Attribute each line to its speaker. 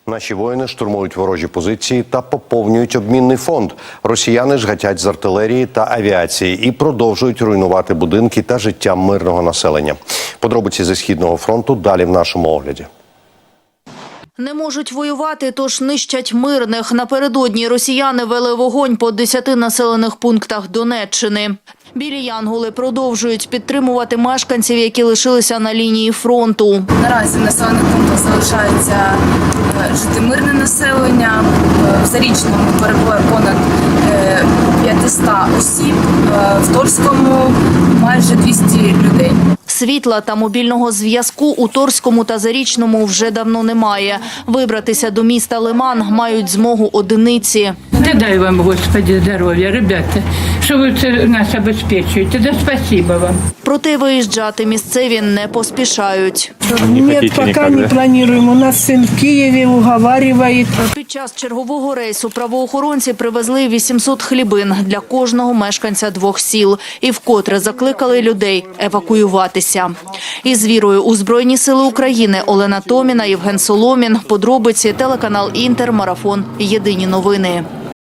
Speaker 1: Наші воїни штурмують ворожі позиції та поповнюють обмінний фонд. Росіяни ж гатять з артилерії та авіації і продовжують руйнувати будинки та життя мирного населення. Подробиці зі Східного фронту далі в нашому огляді.
Speaker 2: Не можуть воювати, тож нищать мирних. Напередодні росіяни вели вогонь по 10 населених пунктах Донеччини. Білі янголи продовжують підтримувати мешканців, які лишилися на лінії фронту.
Speaker 3: Наразі в населених пунктах залишається жити мирне населення. В Зарічному перебуває понад 500 осіб, в Торському майже 200 людей.
Speaker 2: Світла та мобільного зв'язку у Торському та Зарічному вже давно немає. Вибратися до міста Лиман мають змогу одиниці.
Speaker 4: Да дай вам, Господи, здоров'я, ребята, що ви це нас обезпечуєте. Да спасибо вам.
Speaker 2: Проте виїжджати місцеві не поспішають.
Speaker 5: Нет, пока не планируем. У нас сын в Киеве уговаривает.
Speaker 2: Під час чергового рейсу правоохоронці привезли 800 хлібин для кожного мешканця 2 сіл і вкотре закликали людей евакуюватися. Із вірою у Збройні сили України Олена Томіна, Євген Соломін. Подробиці, телеканал Інтер, Марафон. Єдині новини.